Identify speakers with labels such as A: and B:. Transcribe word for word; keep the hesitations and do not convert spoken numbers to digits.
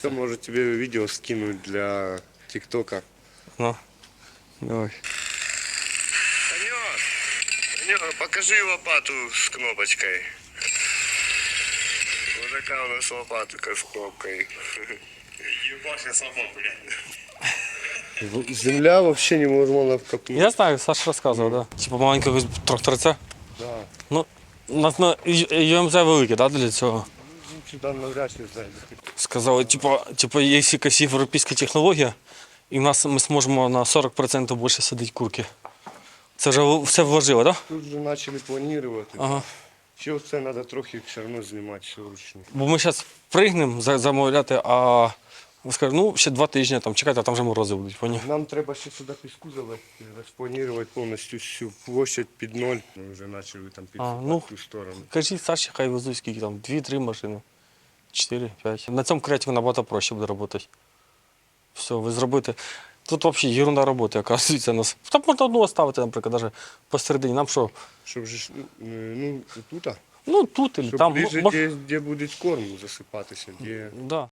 A: Я, может, тебе видео скинуть для ТикТока.
B: Ну, давай.
A: Санек, Санек, покажи лопату с кнопочкой. Вот такая у нас лопатка с кнопкой.
C: Ебаша сама, блядь.
A: Земля вообще невозможно вкопнуть.
B: Я знаю, Саша розказував, да. Типу маленького тракторця.
A: Да.
B: Ну, на, на ЮМЗ велике, да, для цього.
A: Ну, сюда навряд ли зайде.
B: Сказали, типу, типу, якщо якась європейська технологія, і в нас ми зможемо на сорок відсотків більше садити курки. Це вже все вложило, так? Да?
A: Тут вже почали планувати.
B: Ага.
A: Ще це треба трохи все одно знімати, все вручну.
B: Бо ми зараз пригнемо за- замовляти, а скажуть, ну, ще два тижні, там, чекайте, а там вже морози будуть, поняв?
A: Нам треба ще сюди піску залити, розпланувати повністю всю площадь під ноль. Ми вже почали там підсипати
B: ну,
A: в ту сторону.
B: Кажіть, Саші, хай везуть скільки там, дві-три машини, чотири, п'ять. На цьому креативі набагато проще буде працювати. Все, ви зробите. Тут взагалі ерунда роботи, оказується, нас. Там можна одну оставити, наприклад, навіть посередині. Нам що?
A: Щоб же, ж, ну, тут, а?
B: Ну, тут, або
A: Щоб
B: там.
A: ближче,
B: мож-
A: де, де буде корм засипатися, де...
B: Да.